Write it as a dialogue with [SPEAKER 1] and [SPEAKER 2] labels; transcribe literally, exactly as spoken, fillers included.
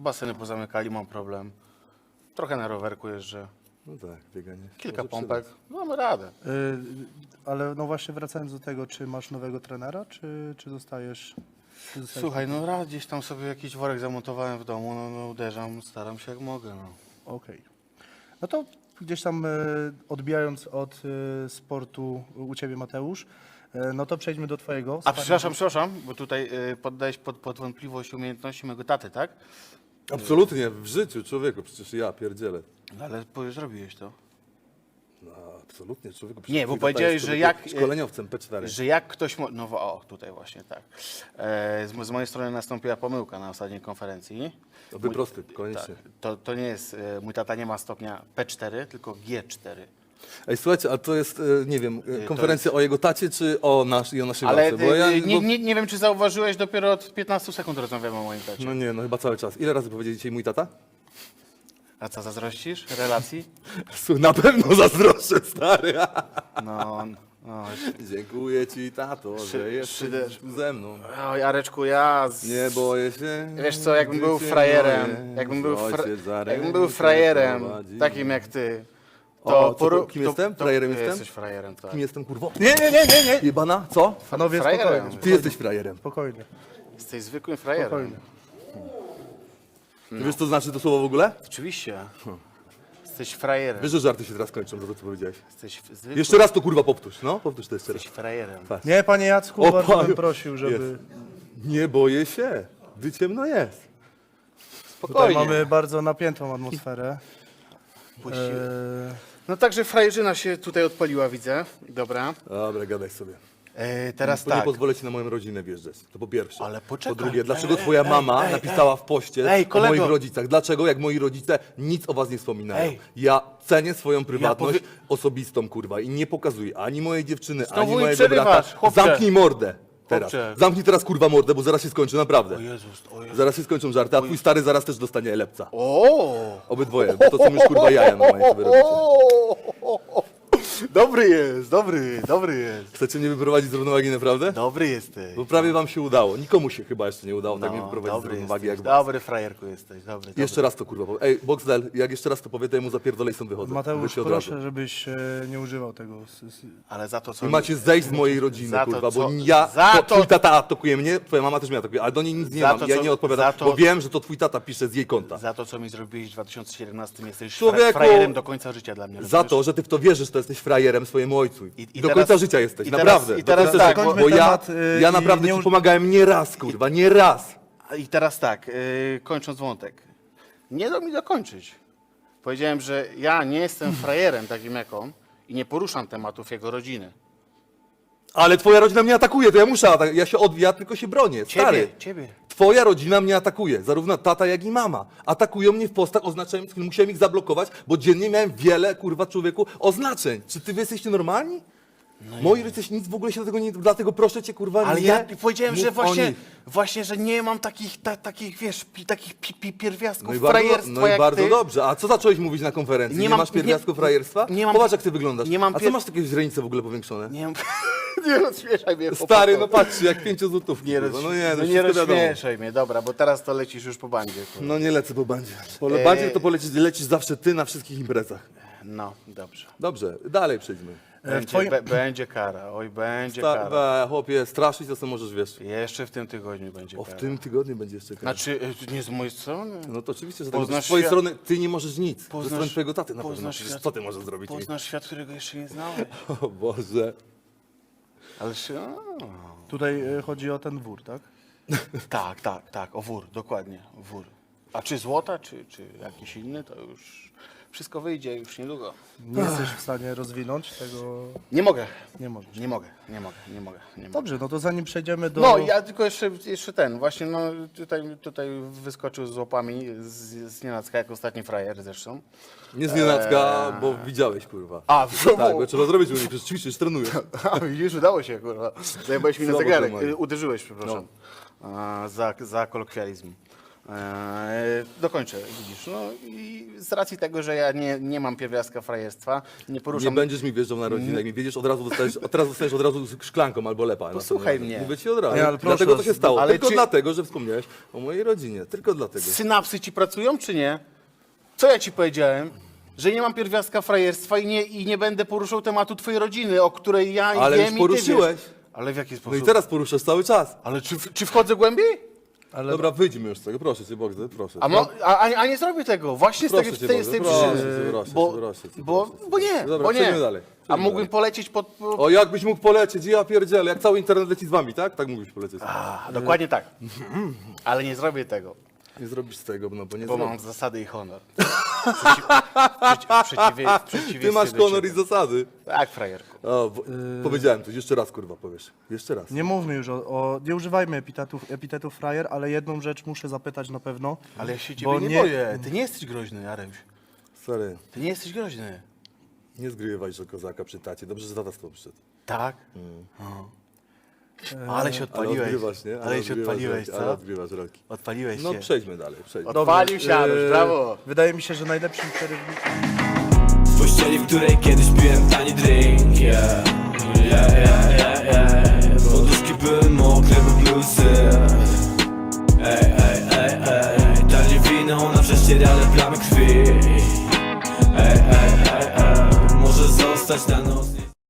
[SPEAKER 1] Baseny pozamykali, mam problem. Trochę na rowerku jeżdżę.
[SPEAKER 2] No tak, bieganie.
[SPEAKER 1] Kilka
[SPEAKER 2] Może
[SPEAKER 1] pompek.
[SPEAKER 2] przydać.
[SPEAKER 1] No, mamy radę.
[SPEAKER 3] Y, ale no właśnie wracając do tego, czy masz nowego trenera, czy, czy zostajesz... Czy zostajesz
[SPEAKER 1] Słuchaj, no raz gdzieś tam sobie jakiś worek zamontowałem w domu, no, no uderzam, staram się jak mogę, no.
[SPEAKER 3] Okej. No to gdzieś tam y, odbijając od y, sportu u Ciebie, Mateusz, y, no to przejdźmy do Twojego.
[SPEAKER 1] A przepraszam, przepraszam, bo tutaj y, poddałeś pod, pod wątpliwość umiejętności mojego taty, tak?
[SPEAKER 2] Absolutnie, w życiu, człowieku, przecież ja pierdzielę.
[SPEAKER 1] No, ale po- zrobiłeś to.
[SPEAKER 2] No, absolutnie, człowieku.
[SPEAKER 1] Nie,
[SPEAKER 2] przecież
[SPEAKER 1] bo
[SPEAKER 2] twój tata
[SPEAKER 1] powiedziałeś,
[SPEAKER 2] jest,
[SPEAKER 1] że
[SPEAKER 2] człowieku,
[SPEAKER 1] jak-
[SPEAKER 2] Szkoleniowcem P cztery.
[SPEAKER 1] Że jak ktoś... Mo- no o, tutaj właśnie tak. E, z, z mojej strony nastąpiła pomyłka na ostatniej konferencji.
[SPEAKER 2] To wyprosty, koniecznie.
[SPEAKER 1] Tak, to, to nie jest... E, mój tata nie ma stopnia P cztery, tylko G cztery.
[SPEAKER 2] Ej, słuchajcie, a to jest, e, nie wiem, e,
[SPEAKER 1] to
[SPEAKER 2] konferencja o jego tacie, czy o, nasz, i o naszej
[SPEAKER 1] Ale
[SPEAKER 2] babce? Bo ja,
[SPEAKER 1] e, nie,
[SPEAKER 2] bo,
[SPEAKER 1] nie, nie wiem, czy zauważyłeś, dopiero od piętnastu sekund rozmawiamy o moim tacie.
[SPEAKER 2] No nie, no chyba cały czas. Ile razy powiedzieli dzisiaj mój tata?
[SPEAKER 1] A co, zazdrościsz relacji?
[SPEAKER 2] Słuchaj, na pewno zazdroszczę, stary.
[SPEAKER 1] No, no.
[SPEAKER 2] Dziękuję ci, tato,
[SPEAKER 1] Szy-
[SPEAKER 2] że jesteś
[SPEAKER 1] szyder.
[SPEAKER 2] ze mną.
[SPEAKER 1] Oj, Areczku, ja... Z...
[SPEAKER 2] Nie boję się.
[SPEAKER 1] Wiesz co, jakbym był
[SPEAKER 2] życie
[SPEAKER 1] frajerem,
[SPEAKER 2] moje,
[SPEAKER 1] jakbym był, fra...
[SPEAKER 2] ojciec za
[SPEAKER 1] jakbym był
[SPEAKER 2] rękę
[SPEAKER 1] frajerem,
[SPEAKER 2] prowadzi.
[SPEAKER 1] takim jak ty,
[SPEAKER 2] O,
[SPEAKER 1] to...
[SPEAKER 2] co to- kim jestem? Frajerem jestem?
[SPEAKER 1] Jesteś frajerem, tak.
[SPEAKER 2] Kim jestem, kurwo?
[SPEAKER 3] Nie, nie, nie, nie, nie!
[SPEAKER 2] Jebana? Co?
[SPEAKER 3] Panowie,
[SPEAKER 1] Frajerem.
[SPEAKER 3] spokojnie,
[SPEAKER 2] Ty jesteś frajerem.
[SPEAKER 3] spokojnie,
[SPEAKER 1] Jesteś zwykłym frajerem.
[SPEAKER 3] spokojnie.
[SPEAKER 2] Ty wiesz, co znaczy to słowo w ogóle?
[SPEAKER 1] Oczywiście. Jesteś frajerem.
[SPEAKER 2] Wiesz, że żarty się teraz kończą, za to, co powiedziałeś.
[SPEAKER 1] Jesteś zwykłym...
[SPEAKER 2] Jeszcze raz to, kurwa, powtórz, no? Powtórz to jeszcze raz.
[SPEAKER 1] Jesteś frajerem.
[SPEAKER 3] Nie, panie Jacku,
[SPEAKER 2] O,
[SPEAKER 3] bardzo bym
[SPEAKER 2] panie-
[SPEAKER 3] prosił, żeby...
[SPEAKER 2] Jest. Nie boję się, gdy ciemno jest.
[SPEAKER 3] Tutaj
[SPEAKER 1] Spokojnie.
[SPEAKER 3] mamy bardzo napiętą atmosferę.
[SPEAKER 1] Puści-
[SPEAKER 3] E,
[SPEAKER 1] No także frajerzyna się tutaj odpaliła, widzę. Dobra.
[SPEAKER 2] Dobra, gadaj sobie.
[SPEAKER 1] E, teraz
[SPEAKER 2] Bo nie
[SPEAKER 1] tak.
[SPEAKER 2] pozwolę ci na moją rodzinę wjeżdżać. To po pierwsze.
[SPEAKER 1] Ale poczekaj.
[SPEAKER 2] Po drugie, dlaczego
[SPEAKER 1] Ej,
[SPEAKER 2] twoja
[SPEAKER 1] ej,
[SPEAKER 2] mama
[SPEAKER 1] ej,
[SPEAKER 2] napisała w poście
[SPEAKER 1] Ej,
[SPEAKER 2] o
[SPEAKER 1] kolego.
[SPEAKER 2] moich rodzicach? Dlaczego, jak moi rodzice nic o was nie wspominają?
[SPEAKER 1] Ej.
[SPEAKER 2] Ja cenię swoją prywatność
[SPEAKER 1] powie-
[SPEAKER 2] osobistą, kurwa, i nie pokazuję ani mojej dziewczyny,
[SPEAKER 1] Znowu
[SPEAKER 2] ani
[SPEAKER 1] mi
[SPEAKER 2] mojego
[SPEAKER 1] przerywasz,
[SPEAKER 2] brata.
[SPEAKER 1] chłopcze.
[SPEAKER 2] Zamknij mordę teraz.
[SPEAKER 1] Chłopcze.
[SPEAKER 2] Zamknij teraz, kurwa, mordę, bo zaraz się skończy, naprawdę.
[SPEAKER 1] O Jezus, o Jezus.
[SPEAKER 2] Zaraz się skończą żarty, a twój stary zaraz też dostanie lepca.
[SPEAKER 1] O!
[SPEAKER 2] Obydwoje, bo to są już, kurwa, jaja na moje, co wy robicie.
[SPEAKER 1] Dobry jest, dobry, dobry jest.
[SPEAKER 2] Chcecie mnie wyprowadzić z równowagi, naprawdę?
[SPEAKER 1] Dobry jesteś.
[SPEAKER 2] Bo prawie wam się udało. Nikomu się chyba jeszcze nie udało tak mnie
[SPEAKER 1] No,
[SPEAKER 2] wyprowadzić z
[SPEAKER 1] dobry
[SPEAKER 2] równowagi
[SPEAKER 1] jesteś.
[SPEAKER 2] jak was.
[SPEAKER 1] Dobry frajerku jesteś, dobry.
[SPEAKER 2] Jeszcze
[SPEAKER 1] dobry.
[SPEAKER 2] raz to, kurwa, powie. Ej, Boxdel, jak jeszcze raz to powie, to ja mu zapierdolę i stąd wychodzę.
[SPEAKER 3] Mateusz,
[SPEAKER 2] Wyjdźcie od razu.
[SPEAKER 3] proszę, żebyś e, nie używał tego. s- s-
[SPEAKER 1] Ale za to co...
[SPEAKER 2] I macie zejść z mojej rodziny,
[SPEAKER 1] Za to,
[SPEAKER 2] kurwa, bo
[SPEAKER 1] co-
[SPEAKER 2] ja,
[SPEAKER 1] za
[SPEAKER 2] to,
[SPEAKER 1] to-
[SPEAKER 2] twój tata atakuje mnie, twoja mama też mnie atakuje, ale do niej nic nie
[SPEAKER 1] Za
[SPEAKER 2] mam,
[SPEAKER 1] to,
[SPEAKER 2] ja
[SPEAKER 1] co-
[SPEAKER 2] nie odpowiadam,
[SPEAKER 1] za to-
[SPEAKER 2] bo wiem, że to twój tata pisze z jej konta.
[SPEAKER 1] Za to, co mi zrobiłeś w dwa tysiące siedemnastym, jesteś
[SPEAKER 2] Człowieku!
[SPEAKER 1] fra frajerem do końca życia dla mnie.
[SPEAKER 2] Za
[SPEAKER 1] rozumiesz?
[SPEAKER 2] to, że ty w to wierzysz, to jesteś frajerem swojemu ojcu.
[SPEAKER 1] I- i
[SPEAKER 2] do
[SPEAKER 1] teraz-
[SPEAKER 2] końca życia jesteś,
[SPEAKER 1] i teraz-
[SPEAKER 2] naprawdę.
[SPEAKER 1] i teraz
[SPEAKER 2] do końca
[SPEAKER 1] tak,
[SPEAKER 2] życia,
[SPEAKER 3] bo-
[SPEAKER 2] bo ja,
[SPEAKER 3] temat, y,
[SPEAKER 2] ja
[SPEAKER 3] i
[SPEAKER 2] naprawdę
[SPEAKER 3] nie
[SPEAKER 2] ci
[SPEAKER 3] uż-
[SPEAKER 2] pomagałem nie raz, kurwa, nie raz.
[SPEAKER 1] I teraz tak, yy, kończąc wątek. Nie dał mi dokończyć. Powiedziałem, że ja nie jestem frajerem takim jak on i nie poruszam tematów jego rodziny.
[SPEAKER 2] Ale twoja rodzina mnie atakuje, to ja muszę atak- ja się odwijam, tylko się bronię, stary.
[SPEAKER 1] Ciebie, ciebie.
[SPEAKER 2] Twoja rodzina mnie atakuje, zarówno tata, jak i mama. Atakują mnie w postach oznaczających, musiałem ich zablokować, bo dziennie miałem wiele, kurwa, człowieku, oznaczeń. Czy ty wy jesteście normalni? Moi rodzice nic w ogóle się do tego nie... Dlatego proszę cię, kurwa,
[SPEAKER 1] Ale
[SPEAKER 2] nie
[SPEAKER 1] ja powiedziałem,
[SPEAKER 2] mów
[SPEAKER 1] że
[SPEAKER 2] o
[SPEAKER 1] właśnie,
[SPEAKER 2] nich.
[SPEAKER 1] właśnie, że nie mam takich, ta, takich wiesz, pi, takich pi, pi, pierwiastków
[SPEAKER 2] No i bardzo,
[SPEAKER 1] frajerstwa
[SPEAKER 2] no i
[SPEAKER 1] jak
[SPEAKER 2] bardzo
[SPEAKER 1] ty.
[SPEAKER 2] dobrze. A co zacząłeś mówić na konferencji? Nie,
[SPEAKER 1] Nie mam-
[SPEAKER 2] masz pierwiastków
[SPEAKER 1] nie-
[SPEAKER 2] frajerstwa?
[SPEAKER 1] nie mam-
[SPEAKER 2] Popatrz, jak ty wyglądasz.
[SPEAKER 1] nie mam
[SPEAKER 2] A co
[SPEAKER 1] pier-
[SPEAKER 2] masz takie źrenice w ogóle powiększone?
[SPEAKER 1] Nie, mam- nie rozśmieszaj mnie.
[SPEAKER 2] Stary, no
[SPEAKER 1] chłopaku.
[SPEAKER 2] patrz, jak pięciozłotówki.
[SPEAKER 1] Nie,
[SPEAKER 2] kurwa.
[SPEAKER 1] roz...
[SPEAKER 2] no nie, no,
[SPEAKER 1] no nie
[SPEAKER 2] wszystko wiadomo.
[SPEAKER 1] rozśmieszaj mnie, dobra, bo teraz to lecisz już po bandzie. kurwa.
[SPEAKER 2] No nie lecę po bandzie. Po
[SPEAKER 1] Eee.
[SPEAKER 2] bandzie to polecisz, lecisz zawsze ty na wszystkich imprezach.
[SPEAKER 1] No, dobrze.
[SPEAKER 2] Dobrze, dalej przejdźmy.
[SPEAKER 1] Będzie,
[SPEAKER 3] twoim-
[SPEAKER 1] be, będzie kara, oj, będzie
[SPEAKER 2] Ta,
[SPEAKER 1] kara.
[SPEAKER 2] we, chłopie, straszyć to co możesz, wiesz.
[SPEAKER 1] Jeszcze w tym tygodniu będzie
[SPEAKER 2] O, w
[SPEAKER 1] kara.
[SPEAKER 2] tym tygodniu będzie jeszcze kara.
[SPEAKER 1] Znaczy, e, nie z mojej strony.
[SPEAKER 2] No to oczywiście, że tak.
[SPEAKER 1] Poznasz
[SPEAKER 2] Z twojej
[SPEAKER 1] świat-
[SPEAKER 2] strony ty nie możesz nic. Ze
[SPEAKER 1] Poznasz-
[SPEAKER 2] strony twojego taty na pewno.
[SPEAKER 1] poznasz
[SPEAKER 2] Przecież
[SPEAKER 1] świat-
[SPEAKER 2] co ty możesz zrobić?
[SPEAKER 1] Poznasz świat, którego jeszcze nie znałeś.
[SPEAKER 2] O Boże.
[SPEAKER 1] Ale się...
[SPEAKER 3] Tutaj e, chodzi o ten wór, tak?
[SPEAKER 1] Tak, tak, tak, o wór, dokładnie, wór. A czy złota, czy, czy jakiś inny, to już wszystko wyjdzie już niedługo.
[SPEAKER 3] Nie jesteś w stanie rozwinąć tego...
[SPEAKER 1] Nie mogę,
[SPEAKER 3] Nie możesz.
[SPEAKER 1] nie mogę, nie mogę, nie mogę, nie mogę.
[SPEAKER 3] Dobrze, no to zanim przejdziemy do...
[SPEAKER 1] No, ja tylko jeszcze, jeszcze ten, właśnie no, tutaj, tutaj wyskoczył z łapami z, z nienacka, jak ostatni frajer zresztą.
[SPEAKER 2] Nie z nienacka, bo widziałeś, kurwa.
[SPEAKER 1] A,
[SPEAKER 2] Tak, bo trzeba zrobić, bo nie przecież ćwiczysz, trenujesz.
[SPEAKER 1] A, widzisz, udało się, kurwa. Zajebałeś mi na
[SPEAKER 2] Słabo
[SPEAKER 1] zegarek.
[SPEAKER 2] to moje.
[SPEAKER 1] Y, Uderzyłeś, przepraszam. A, za, za kolokwializm. E, dokończę, widzisz. No i z racji tego, że ja nie, nie mam pierwiastka frajerstwa, nie
[SPEAKER 2] Nie
[SPEAKER 1] poruszam...
[SPEAKER 2] będziesz mi wjeżdżał na rodzinę, jak mi wiedziesz, od razu dostajesz, od teraz dostajesz od razu szklanką albo lepa.
[SPEAKER 1] Posłuchaj mnie.
[SPEAKER 2] Mówię ci od razu.
[SPEAKER 3] Nie, ale proszę
[SPEAKER 2] dlatego to
[SPEAKER 3] was,
[SPEAKER 2] się stało.
[SPEAKER 1] ale
[SPEAKER 2] Tylko
[SPEAKER 1] czy-
[SPEAKER 2] dlatego, że wspomniałeś o mojej rodzinie. Tylko dlatego.
[SPEAKER 1] Synapsy ci pracują, czy nie? Co ja ci powiedziałem? Że nie mam pierwiastka frajerstwa i nie, i nie będę poruszał tematu twojej rodziny, o której ja
[SPEAKER 2] Ale
[SPEAKER 1] wiem
[SPEAKER 2] już
[SPEAKER 1] i ty
[SPEAKER 2] poruszyłeś.
[SPEAKER 1] wiesz. Ale w jaki
[SPEAKER 2] No
[SPEAKER 1] sposób?
[SPEAKER 2] i teraz poruszasz cały czas.
[SPEAKER 1] Ale czy, czy wchodzę głębiej?
[SPEAKER 3] Ale
[SPEAKER 2] Dobra, wyjdźmy już z tego, proszę cię, Bogdan, proszę.
[SPEAKER 1] A, mo, a, a a nie zrobię tego, właśnie z,
[SPEAKER 2] Proszę
[SPEAKER 1] tego,
[SPEAKER 2] cię
[SPEAKER 1] z tej, z tej
[SPEAKER 2] bardzo, proszę
[SPEAKER 1] przyczyny.
[SPEAKER 2] cię, proszę cię,
[SPEAKER 1] bo,
[SPEAKER 2] proszę cię,
[SPEAKER 1] bo,
[SPEAKER 2] proszę cię.
[SPEAKER 1] bo nie,
[SPEAKER 2] Dobra,
[SPEAKER 1] bo nie.
[SPEAKER 2] przejdźmy dalej,
[SPEAKER 1] A
[SPEAKER 2] przejdźmy
[SPEAKER 1] mógłbym
[SPEAKER 2] dalej.
[SPEAKER 1] polecieć pod... pod...
[SPEAKER 2] O, jakbyś mógł polecieć, ja pierdzielę, jak cały internet leci z wami, tak? Tak mógłbyś polecieć.
[SPEAKER 1] A, dokładnie tak. Ale nie zrobię tego,
[SPEAKER 2] Nie zrobisz z tego, no bo nie
[SPEAKER 1] bo mam
[SPEAKER 2] zrobisz.
[SPEAKER 1] zasady i honor. Przeciw, przeciw, przeciwie, w przeciwieństwie
[SPEAKER 2] Ty masz
[SPEAKER 1] do
[SPEAKER 2] honor i
[SPEAKER 1] ciebie.
[SPEAKER 2] zasady.
[SPEAKER 1] Tak, frajerku.
[SPEAKER 2] O, bo, powiedziałem coś, jeszcze raz kurwa powiesz. Jeszcze raz.
[SPEAKER 3] nie mówmy już o, o nie używajmy epitetów, epitetów frajer, ale jedną rzecz muszę zapytać na pewno.
[SPEAKER 1] Ale ja się
[SPEAKER 3] Bo
[SPEAKER 1] ciebie nie,
[SPEAKER 3] nie-
[SPEAKER 1] boję. Ty nie jesteś groźny, Jareś.
[SPEAKER 2] Stary,
[SPEAKER 1] Ty nie jesteś groźny.
[SPEAKER 2] nie zgrywaj że kozaka przy tacie. Dobrze, że tata z tobą przyszedł.
[SPEAKER 1] Tak? O. Ale się
[SPEAKER 2] Ale
[SPEAKER 1] odpaliłeś.
[SPEAKER 2] odgrywasz, nie?
[SPEAKER 1] Ale się
[SPEAKER 2] odgrywasz
[SPEAKER 1] odpaliłeś,
[SPEAKER 2] roki, Ale
[SPEAKER 1] co?
[SPEAKER 2] odgrywasz roki.
[SPEAKER 1] Odpaliłeś
[SPEAKER 2] No
[SPEAKER 1] się.
[SPEAKER 2] przejdźmy dalej, przejdźmy.
[SPEAKER 1] Odpalił się, Jaruś,
[SPEAKER 3] Eee,
[SPEAKER 1] brawo.
[SPEAKER 3] Wydaje mi się, że najlepszym przerywnikiem...
[SPEAKER 4] W pościeli, w której kiedyś piłem tani drink, yeah. Yeah, yeah, yeah, yeah. Poduszki były mokre, bo bluesy. Ej, ej, ej, ej. Tanie wino na prześcierane plamy krwi. Ej, ej, ej, ej. Może zostać na noc.